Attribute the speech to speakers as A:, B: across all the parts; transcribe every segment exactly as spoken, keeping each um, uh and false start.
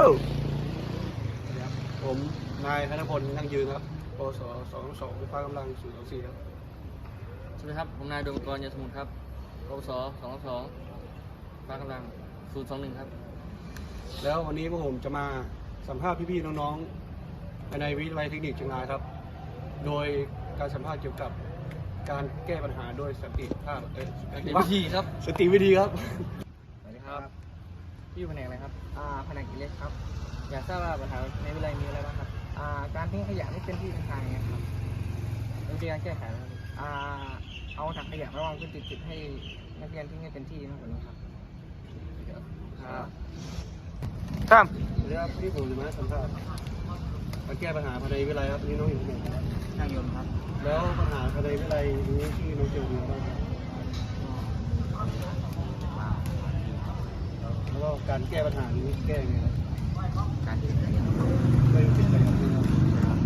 A: ผมนายธนพลนั่งยืนครับปศสองสองไฟฟ้ากำลังศูนย์สองสี่ครับ
B: สวัสดีครับผมนายดวงกรยศสมุทรครับปวสสองสองฟ้ากำลังศูนย์สองหนึ่งครับ
A: แล้ววันนี้พวกผมจะมาสัมภาษณ์พี่ๆน้องๆในวิทยาลัยเทคนิคเชียงรายครับโดยการสัมภาษณ์เกี่ยวกับการแก้ปัญหาโดยสติภาพเออสติ
B: วิธีครับ
A: สติวิธีครับ
B: สวัสดีครับพี่อยู่แผนกอะไรครับ
C: อ่าแผนกอิเล็กครับ
B: อยากทราบว่าปัญหาในวิทยาลัยมีอะไรบ้างครับ
C: อ่าการทิ้งขยะไม่เป็นที่เป็นทางไงครับ
B: วิธีการแก้ไขนะครับ
C: อ่าเอาถังขยะมาวางพื้นติดๆให้นักเรียนทิ้งให้เป็นที่มากกว่านี้ครับ
B: ครับ
A: ครับเรื่องที่ผมจะมาสัมภาษณ์การแก้ปัญหาภายในวิทยาลัยครับนี่น้องอยู่ไหนครับ
B: ช่างยนต์ครับ
A: แล้วปัญหาภายในวิทยาลัยนี้ที่น้องเจออยู่บ้างครับแล้วก็การแก้ปัญหานี้แก้ยังไงครับ
B: การทิ้งขยะ
A: ไม่ติดใจกับนี่ครับ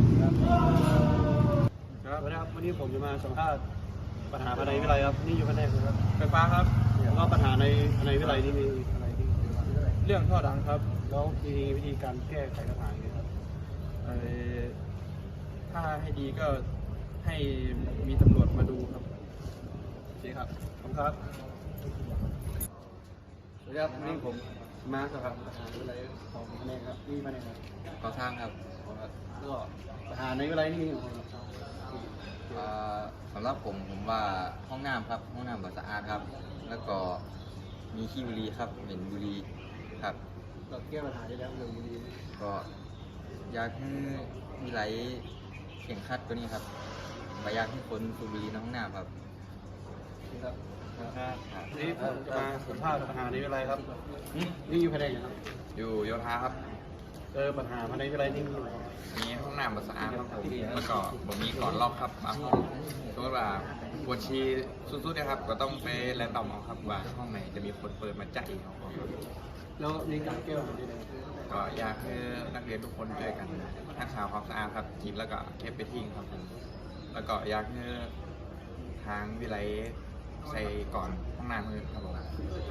A: ครับครับวันนี้ผมจะมาสัมภาษณ์ปัญหาภายในวิทยาลัยครับนี่อยู่แผนกครับ
D: ไฟฟ้าครับ
A: แล้วก็ปัญหาในภายในวิทยาลัยนี่มีอะไรที่
D: เรื่องท่อดังครับ
A: แล้วมีวิธีการแก้ไขปัญหาอย่างไรครับ
D: เอ่อถ้าให้ดีก็ให้มีตำรวจมาดูครับ
A: โอเคครับขอบคุณครับสวัสดีครับวันนี้ผมมาสำหรับปัญหาในวิทยาลัยของแผนกครับนี่แผนกครับ
B: ก่อสร้างครับ
A: แล้วก็ปัญหาในวิทยาลัยนี่มีอะไรครับ
B: สำหรับผมผมว่าห้องน้ำครับห้องน้ำก็สะอาดครับ แล้วก็มีขี้บุหรี่ครับเหม็นบุหรี่ครับ
A: เราแก้ปัญหาได้แล้วเรื่องบุหรี่
B: ก็อยากให้มีไหลเข่งคัดตัวนี้ครับไม่อยากให้คนสูบบุหรี่ในห้องน้ำครับ
A: ครับนี่ผมจะมาสัมภาษณ์ปัญหาในวิทยาลัยครับนี่อยู่แผนกไหนครับ
B: อยู่โยธาครับ
A: เออปัญหาภายในวิทยาลัยนี่มีอะไร
B: มีห้องน้ำสะอาดครับผมแล้วก็ผมมีก่อนรอบครับบางห้องสมมติว่าปวดชีสุดๆนะครับก็ต้องไปแรนดอมเอาครับว่าห้องไหนจะมีคนเปิดมาจ่ายเขา
A: แล้วมีการแก้ปัญหาได้ไหม
B: ก็อยากให้นักเรียนทุกคนช่วยกันรักษาความสะอาดครับกินแล้วก็เก็บไปทิ้งครับผมแล้วก็อยากให้ทางวิไลใส่ก่อนห้องน้ำเลยครับผม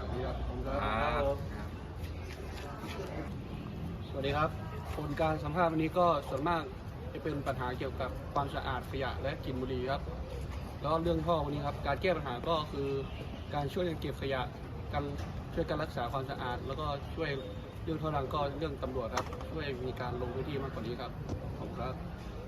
A: สวัสดีครับผลการสัมภาษณ์วันนี้ก็ส่วนมากจะเป็นปัญหาเกี่ยวกับความสะอาดขยะและกลิ่นบุหรี่ครับแล้วเรื่องท่อวันนี้ครับการแก้ปัญหาก็คือการช่วยกันเก็บขยะการช่วยกันรักษาความสะอาดแล้วก็ช่วยเรื่องท่อดังก็เรื่องตำรวจครับช่วยมีการลงพื้นที่มากกว่านี้ครับขอบคุณครับ